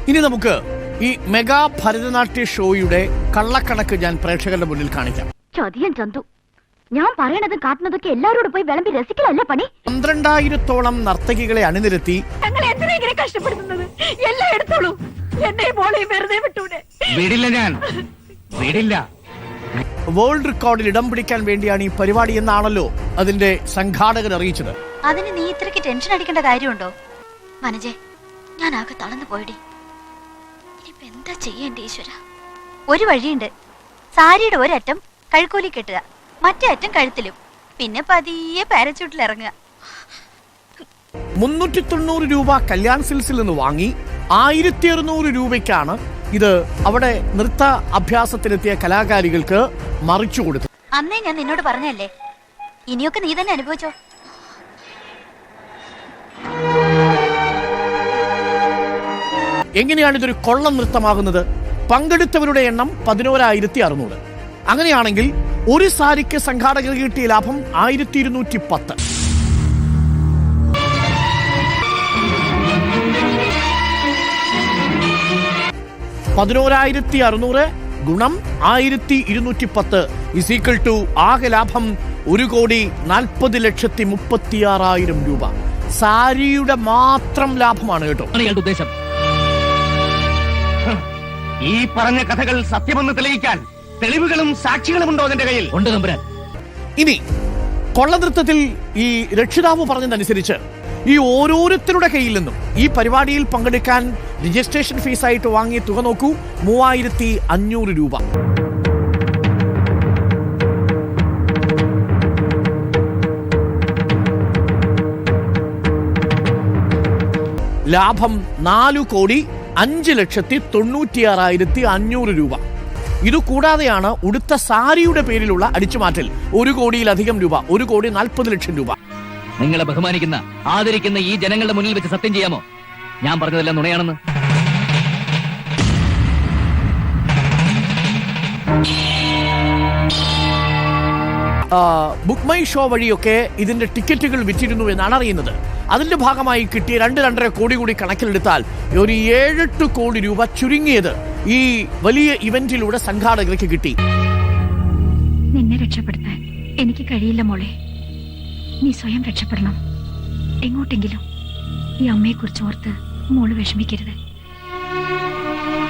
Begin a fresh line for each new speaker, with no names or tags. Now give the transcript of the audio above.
ഇനി നമുക്ക് ഈ മെഗാ ഭരതനാട്യ ഷോയുടെ കള്ളക്കണക്ക് ഞാൻ പ്രേക്ഷകരുടെ മുന്നിൽ കാണിക്കാം.
ചതിയൻ ചന്തു, ഞാൻ പറയണതും കാട്ടുന്നതൊക്കെ എല്ലാവരോടും പോയി വിളമ്പി രസിക്കലല്ല പണി.
12,000-ഓളം നർത്തകികളെ അണിനിരത്തി
ഞങ്ങളെ എന്തിനാ ഇങ്ങനെ കഷ്ടപ്പെടുത്തുന്നത്? എല്ലാം എടുത്തോളൂ, എന്നെ മോളെയും വെറുതെ വിട്ടൂടെ.
വിടില്ല, ഞാൻ വിടില്ല.
വേൾഡ് റെക്കോർഡിൽ ഇടം പിടിക്കാൻ വേണ്ടിയാണ് ഈ പരിപാടി എന്നാണല്ലോ അതിന്റെ സംഘാടകർ അറിയിച്ചത്.
അതിന് നീ ഇത്രയ്ക്ക് ടെൻഷൻ അടിക്കേണ്ട കാര്യമുണ്ടോ? മനജെ, ഞാൻ ആകെ തളർന്നു പോയിടി. ഇനിയിപ്പോ എന്താ ചെയ്യേണ്ട ഈശ്വര? ഒരു വഴിയുണ്ട്. സാരിയുടെ ഒരറ്റം കഴുക്കോലി കെട്ടുക, മറ്റേ അറ്റം കഴുത്തിലും, പിന്നെ പതിയെ പാരച്യൂട്ടിൽ ഇറങ്ങുക.
390 രൂപ കല്യാൺ സിൽസിൽ നിന്ന് വാങ്ങി 1600 രൂപയ്ക്കാണ് ഇത് അവിടെ നൃത്ത അഭ്യാസത്തിലെത്തിയ കലാകാരികൾക്ക് മറിച്ചു കൊടുത്തു.
അന്നേ ഞാൻ നിന്നോട് പറഞ്ഞല്ലേ, ഇനിയൊക്കെ നീ തന്നെ അനുഭവിച്ചോ.
എങ്ങനെയാണ് ഇതൊരു കൊള്ളം നൃത്തമാകുന്നത്? പങ്കെടുത്തവരുടെ എണ്ണം 11,600. അങ്ങനെയാണെങ്കിൽ ഒരു സാരിക്ക് സംഘാടകർ കിട്ടിയ ലാഭം 1210. 11,600 ഗുണം 1210 = ആകെ ലാഭം 1,40,36,000 രൂപ. സാരിയുടെ മാത്രം ലാഭമാണ് കേട്ടോ.
ഉദ്ദേശം ഈ പറഞ്ഞ കഥകൾ സത്യമെന്ന് തെളിയിക്കാൻ തെളിവുകളും സാക്ഷികളും ഉണ്ടോ അതിന്റെ കയ്യിൽ? ഉണ്ട് തമ്പുരാൻ.
ഇനി കൊള്ളനൃത്തത്തിൽ ഈ രക്ഷിതാവ് പറഞ്ഞതനുസരിച്ച് ഈ ഓരോരുത്തരുടെ കയ്യിൽ നിന്നും ഈ പരിപാടിയിൽ പങ്കെടുക്കാൻ രജിസ്ട്രേഷൻ ഫീസായിട്ട് വാങ്ങിയ തുക നോക്കൂ, 3,500 രൂപ. ലാഭം 4,05,96,500 രൂപ. ഇതുകൂടാതെയാണ് ഉടുത്ത സാരിയുടെ പേരിലുള്ള അടിച്ചുമാറ്റൽ 1,00,00,000 രൂപ, 1,40,00,000 രൂപ.
നിങ്ങളെ ബഹുമാനിക്കുന്ന ആദരിക്കുന്ന ഈ ജനങ്ങളുടെ മുന്നിൽ വെച്ച് സത്യം ചെയ്യാമോ ഞാൻ പറഞ്ഞതെല്ലാം നുണയാണെന്ന്?
ബുക്ക് മൈ ഷോ വഴിയൊക്കെ ഇതിന്റെ ടിക്കറ്റുകൾ വിറ്റിരുന്നു എന്നാണ് അറിയുന്നത്. അതിന്റെ ഭാഗമായി കിട്ടിയ 2-2.5 കോടി കൂടി കണക്കിലെടുത്താൽ ഒരു 7-8 കോടി രൂപ ചുരുങ്ങിയത് ഈ വലിയ ഇവന്റിലൂടെ സംഘാടകർക്ക് കിട്ടി.
നിന്നെ രക്ഷപ്പെടുത്താൻ എനിക്ക് കഴിയില്ല മോളെ. നീ സ്വയം രക്ഷപ്പെടണം. എങ്ങോട്ടെങ്കിലും ഈ അമ്മയെ കുറിച്ച് ഓർത്ത് മോള് വിഷമിക്കരുത്.